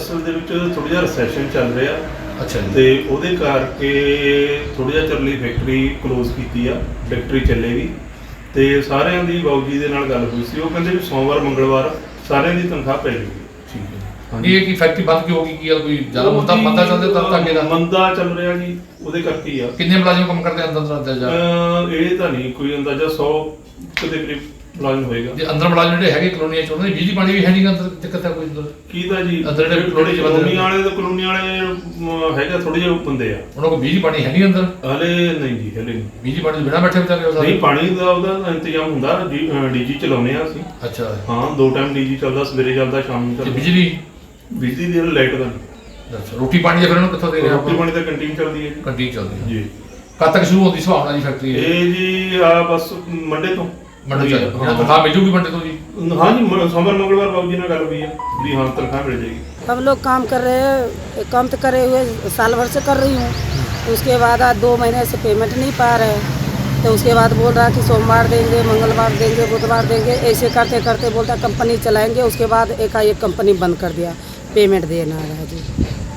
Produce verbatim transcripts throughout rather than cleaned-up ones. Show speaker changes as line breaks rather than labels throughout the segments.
ਅਸਲ ਦੇ ਵਿੱਚ ਥੋੜ੍ਹਾ ਜਿਹਾ ਰਿਸੈਸ਼ਨ ਚੱਲ ਰਿਹਾ।
ਅੱਛਾ ਜੀ।
ਤੇ ਉਹਦੇ ਕਰਕੇ ਥੋੜ੍ਹਾ ਜਿਹਾ ਚਿਰ ਲਈ ਫੈਕਟਰੀ ਕਲੋਜ਼ ਕੀਤੀ ਆ, ਫੈਕਟਰੀ ਚੱਲੇਗੀ। ਤੇ ਸਾਰਿਆਂ ਦੀ ਬਾਊ ਜੀ ਦੇ ਨਾਲ ਗੱਲ ਹੋਈ ਸੀ, ਉਹ ਕਹਿੰਦੇ ਵੀ ਸੋਮਵਾਰ ਮੰਗਲਵਾਰ ਸਾਰਿਆਂ ਦੀ ਤਨਖਾਹ ਪੈ ਜਾਊਗੀ।
ਠੀਕ ਹੈ। ਇਹ ਕੀ ਫੈਕਟਰੀ ਬੰਦ ਕਿਉਂ ਹੋ ਗਈ? ਕੀ ਆ ਕੋਈ ਜ਼ਿਆਦਾ ਮੰਦਾ ਮੰਦਾ ਚੱਲਦਾ ਤਾਂ ਤਾਂ ਅੱਗੇ ਦਾ
ਮੰਦਾ ਚੱਲ ਰਿਹਾ ਜੀ, ਉਹਦੇ ਕਰਕੇ ਹੀ ਆ।
ਕਿੰਨੇ ਮੁਲਾਜ਼ਮ ਕੰਮ ਕਰਦੇ ਅੰਦਰ ਅੰਦਰ ਅੰਦਰ ਜਾ?
ਇਹ ਤਾਂ ਨਹੀਂ ਕੋਈ ਅੰਦਾਜ਼ਾ ਸੌ ਦੇ ਕਰੀਬ ਮੁਲਾਜ਼ਮ ਹੋਏਗਾ।
ਜੇ ਅੰਦਰ ਮੁਲਾਜ਼ਮ ਜਿਹੜੇ ਹੈਗੇ ਕਲੋਨੀਆਂ ਚ ਉਹਨਾਂ ਦੀ ਬਿਜਲੀ ਪਾਣੀ ਵੀ ਹੈ ਨਹੀਂ ਅੰਦਰ, ਦਿੱਕਤ ਹੈ ਕੋਈ ਅੰਦਰ?
ਕੀ ਤਾਂ ਜੀ
ਅੰਦਰ ਜਿਹੜੇ ਕਲੋਨੀ ਚ
ਕਲੋਨੀ ਵਾਲੇ ਤਾਂ ਕਲੋਨੀ ਵਾਲੇ ਹੈਗਾ ਥੋੜੇ ਜਿਹੇ ਬੰਦੇ ਆ,
ਉਹਨਾਂ ਕੋਲ ਬਿਜਲੀ ਪਾਣੀ ਹੈ ਨਹੀਂ ਅੰਦਰ
ਹਲੇ ਨਹੀਂ ਜੀ, ਹਲੇ ਨਹੀਂ।
ਬਿਜਲੀ ਪਾਣੀ ਤੋਂ ਬਿਨਾਂ ਬੈਠੇ ਵਿਚਾਰੇ ਉਹ
ਨਹੀਂ, ਪਾਣੀ ਦਾ ਉਹਦਾ ਇੰਤਜ਼ਾਮ ਹੁੰਦਾ, ਡੀਜੀ ਚਲਾਉਂਦੇ ਆ ਅਸੀਂ।
ਅੱਛਾ
ਹਾਂ, ਦੋ ਟਾਈਮ ਡੀਜੀ ਚੱਲਦਾ, ਸਵੇਰੇ ਚੱਲਦਾ, ਸ਼ਾਮ ਨੂੰ
ਤੇ
ਚੱਲਦਾ।
ਬਿਜਲੀ
ਬਿਜਲੀ ਦੀ ਲਾਈਟ ਦਾ ਨਹੀਂ।
ਅੱਛਾ, ਰੋਟੀ ਪਾਣੀ ਦਾ ਫਿਰ ਉਹਨੂੰ ਕਿੱਥੋਂ ਦੇ ਰਹੇ
ਰੋਟੀ ਪਾਣੀ ਤਾਂ ਕੰਟੀਨ ਚੱਲਦੀ ਹੈ ਜੀ।
ਕੰਟੀਨ ਚੱਲਦੀ ਹੈ
ਜੀ।
ਕਦ ਤੱਕ ਸ਼ੁਰੂ ਹੁੰਦੀ ਸੁਭਾਵਨਾ ਜੀ ਫੈਕਟਰੀ?
ਇਹ ਜੀ ਆ ਬਸ ਮੰਡੇ ਤੋਂ।
ਮੰਡੇ ਤੋਂ ਜਿਹੜਾ ਤਨਖਾਹ ਮਿਲ ਜੂਗੀ ਮੰਡੇ ਤੋਂ ਜੀ?
हाँ जी, सोमवार मंगलवार बाबू जी ने गल हुई है भी हाँ तनख्वाह मिल जाएगी।
हम लोग काम कर रहे हैं, काम तो करे हुए साल भर से कर रही हूँ। उसके बाद आज दो महीने से पेमेंट नहीं पा रहे, तो उसके बाद बोल रहा कि सोमवार देंगे, मंगलवार देंगे, बुधवार देंगे, ऐसे करते करते बोलता कंपनी चलाएंगे। उसके बाद एकाएक कंपनी बंद कर दिया, पेमेंट देना रहा जी।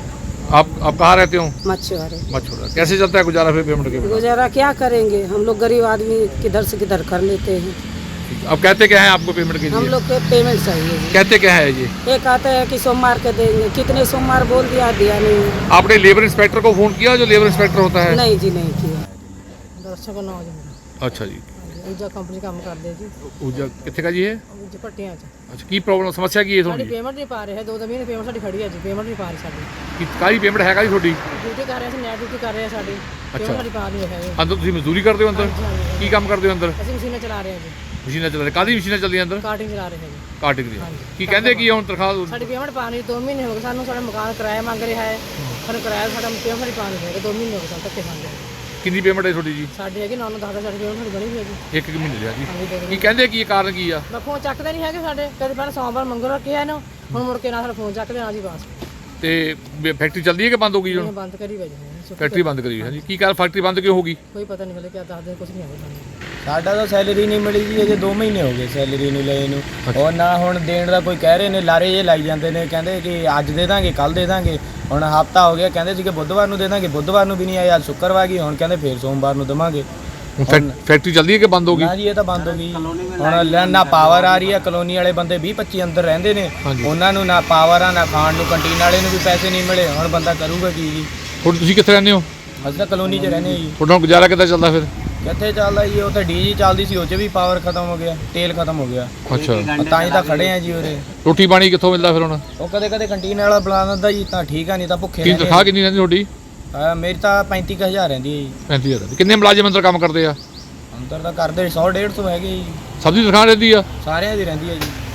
आप आप कहाँ रहते हो?
मछुआरे।
मछुआरा। कैसे चलता है गुजारा फिर पेमेंट के बिना?
गुजारा क्या करेंगे, हम लोग गरीब आदमी किधर से किधर कर लेते हैं।
अब कहते क्या है आपको पेमेंट के लिए?
हम लोग को पेमेंट चाहिए जी।
कहते क्या है ये?
ये कहते हैं कि सोमवार के देंगे, कितने सोमवार बोल दिया, दिया नहीं।
आपने लेबर इंस्पेक्टर को फोन किया, जो लेबर इंस्पेक्टर होता है?
नहीं जी, नहीं किया।
दर्शक नाम जी मेरा।
अच्छा जी।
ऊर्जा कंपनी काम करते जी।
ऊर्जा कितने का जी है?
ऊर्जा पट्टियां च।
अच्छा, की प्रॉब्लम समस्या की है
साडी
थोड़ी?
पेमेंट नहीं पा रहे हैं, दो दो महीने पेमेंट साडी खड़ी है जी, पेमेंट नहीं पा रही साडी।
की काली पेमेंट है काली थोड़ी?
ड्यूटी कर रहे हैं, नैट ड्यूटी कर रहे हैं साडी, पेमेंट साडी पा नहीं है।
अंदर ਤੁਸੀਂ ਮਜ਼ਦੂਰੀ ਕਰਦੇ ਹੋ ਅੰਦਰ? ਕੀ ਕੰਮ ਕਰਦੇ ਹੋ ਅੰਦਰ?
ਅਸੀਂ ਮਸ਼ੀਨਾਂ ਚਲਾ ਰਹੇ ਹਾਂ ਜੀ।
ਮਸ਼ੀਨਾਂ ਚੱਲ ਰਹੀਆਂ? ਕਾਹਦੀ ਮਸ਼ੀਨਾਂ ਚੱਲਦੀਆਂ ਅੰਦਰ?
ਕਾਟਿੰਗ ਚਲਾ ਰਹੇ ਹਾਂ ਜੀ।
ਕਾਟਿੰਗ ਦੀ। ਕੀ ਕਹਿੰਦੇ ਕੀ ਹੁਣ ਤਨਖਾਹ?
ਸਾਡੀ ਪੇਮੈਂਟ ਪਾ ਨਹੀਂ, ਦੋ ਮਹੀਨੇ ਹੋ ਗਏ ਸਾਨੂੰ, ਸਾਡਾ ਮਕਾਨ ਕਿਰਾਇਆ ਮੰਗ ਰਿਹਾ ਹੈ, ਸਾਨੂੰ ਕਿਰਾਇਆ ਸਾਡਾ ਪੇਮੈਂਟ ਸਾਡੀ ਪਾ ਨਹੀਂ ਹੈਗਾ, ਦੋ ਮਹੀਨੇ ਹੋ ਗਏ ਸਾਨੂੰ ਧੱਕੇ ਖਾਂਦੇ।
ਕਿੰਨੀ ਪੇਮੈਂਟ ਹੈ ਤੁਹਾਡੀ ਜੀ?
ਸਾਡੀ ਹੈਗੀ ਨੌ ਨੌ ਦਸ ਦਸ ਸਾਡੀ ਪੇਮੈਂਟ ਸਾਡੀ ਬਣੀ ਹੋਈ ਹੈ ਜੀ।
ਇੱਕ ਇੱਕ ਮਹੀਨੇ ਦੀ ਆ ਜੀ।
ਹਾਂਜੀ, ਦੇ
ਕੀ ਕਹਿੰਦੇ ਕੀ ਕਾਰਨ ਕੀ ਆ?
ਮੈਂ ਫੋਨ ਚੱਕਦੇ ਨਹੀਂ ਹੈਗੇ ਸਾਡੇ, ਕਦੇ ਪਹਿਲਾਂ ਸੋਮਵਾਰ ਮੰਗਲਵਾਰ ਕਿਹਾ ਇਹਨੂੰ, ਹੁਣ ਮੁੜ ਕੇ ਨਾ ਸਾਡਾ ਫੋਨ ਚੱਕਦੇ ਨਾ ਜੀ ਬਸ।
ਤੇ ਫੈਕਟਰੀ ਚੱਲਦੀ ਹੈ ਕਿ ਬੰਦ ਹੋ ਗਈ ਹੁਣ?
ਬੰਦ ਕਰੀ ਵਜੇ ਨੇ
ਫੈਕਟਰੀ ਬੰਦ ਕਰੀ ਹੈ ਜੀ। ਕੀ ਕਾਰਨ ਫੈਕਟਰੀ ਬੰਦ ਕਿਉਂ ਹੋ ਗਈ?
ਕੋਈ ਪਤਾ ਨਹੀਂ ਹਲੇ, ਕਿਆ ਦੱਸਦੇ ਕੁਝ ਨਹੀਂ ਆਉਂਦਾ ਸਾਨੂੰ।
ਸਾਡਾ ਤਾਂ ਸੈਲਰੀ ਨਹੀਂ ਮਿਲੀ ਜੀ, ਅਜੇ ਦੋ ਮਹੀਨੇ ਹੋ ਗਏ ਸੈਲਰੀ ਨੂੰ ਲਏ ਨੂੰ। ਔਰ ਨਾ ਹੁਣ ਦੇਣ ਦਾ ਕੋਈ ਕਹਿ ਰਹੇ ਨੇ, ਲਾਰੇ ਜੇ ਲਾਈ ਜਾਂਦੇ ਨੇ, ਕਹਿੰਦੇ ਕਿ ਅੱਜ ਦੇ ਦਾਂਗੇ, ਕੱਲ ਦੇ ਦਾਂਗੇ। ਹੁਣ ਹਫਤਾ ਹੋ ਗਿਆ, ਕਹਿੰਦੇ ਸੀ ਕਿ ਬੁੱਧਵਾਰ ਨੂੰ ਦੇ ਦਾਂਗੇ, ਬੁੱਧਵਾਰ ਨੂੰ ਵੀ ਨਹੀਂ ਆਇਆ, ਅੱਜ ਸ਼ੁੱਕਰਵਾਰ ਗਈ, ਹੁਣ ਕਹਿੰਦੇ ਫੇਰ ਸੋਮਵਾਰ ਨੂੰ ਦੇਵਾਂਗੇ।
ਫੈਕਟਰੀ ਚੱਲਦੀ ਹੈ ਕਿ ਬੰਦ ਹੋ ਗਈ?
ਨਾ ਜੀ, ਇਹ ਤਾਂ ਬੰਦ ਹੋ ਗਈ। ਹੁਣ ਨਾ ਪਾਵਰ ਆ ਰਹੀ ਹੈ, ਕਲੋਨੀ ਵਾਲੇ ਬੰਦੇ ਵੀਹ ਪੱਚੀ ਅੰਦਰ ਰਹਿੰਦੇ ਨੇ, ਉਹਨਾਂ ਨੂੰ ਨਾ ਪਾਵਰ ਆ, ਨਾ ਖਾਣ ਨੂੰ, ਕੰਟੀਨ ਵਾਲੇ ਨੂੰ ਵੀ ਪੈਸੇ ਨਹੀਂ ਮਿਲੇ, ਹੁਣ ਬੰਦਾ ਕਰੂਗਾ ਕੀ ਜੀ?
ਹੁਣ ਤੁਸੀਂ ਕਿੱਥੇ ਰਹਿੰਦੇ ਹੋ?
ਅਸੀਂ ਤਾਂ ਕਲੋਨੀ 'ਚ ਰਹਿੰਦੇ ਜੀ।
ਤੁਹਾਡਾ ਗੁਜ਼ਾਰਾ ਕਿੱਦਾਂ ਚੱਲਦਾ ਫਿਰ?
ਕਿੱਥੇ ਚੱਲਦਾ ਜੀ, ਉਹ ਤਾਂ ਡੀਜੀ ਚੱਲਦੀ ਸੀ, ਉਹ 'ਚ ਵੀ ਪਾਵਰ ਖਤਮ ਹੋ ਗਿਆ, ਤੇਲ ਖਤਮ ਹੋ ਗਿਆ।
ਅੱਛਾ,
ਤਾਂ ਹੀ ਤਾਂ ਖੜੇ ਆ ਜੀ ਉਰੇ।
ਰੋਟੀ ਪਾਣੀ ਕਿੱਥੋਂ ਮਿਲਦਾ ਫਿਰ ਹੁਣ?
ਉਹ ਕਦੇ ਕਦੇ ਕੰਟੀਨ ਵਾਲਾ ਬੁਲਾ ਦਿੰਦਾ ਜੀ, ਤਾਂ ਠੀਕ ਆ, ਨਹੀਂ ਤਾਂ ਭੁੱਖੇ
ਕੀ ਤਨਖਾਹ ਕਿੰਨੀ ਰਹਿੰਦੀ ਤੁਹਾਡੀ?
ਆ ਮੇਰੀ ਤਾਂ ਪੈਂਤੀ ਕੁ ਹਜ਼ਾਰ ਰਹਿੰਦੀ ਹੈ ਜੀ।
ਪੈਂਤੀ ਹਜ਼ਾਰ। ਕਿੰਨੇ ਮੁਲਾਜ਼ਮ ਅੰਦਰ ਕੰਮ ਕਰਦੇ ਆ?
ਅੰਦਰ ਤਾਂ ਕਰਦੇ ਸੌ ਡੇਢ ਸੌ ਹੈਗੇ ਜੀ।
ਸਭ ਦੀ ਤਨਖਾਹ ਰਹਿੰਦੀ ਆ?
ਸਾਰਿਆਂ ਦੀ ਰਹਿੰਦੀ ਹੈ ਜੀ।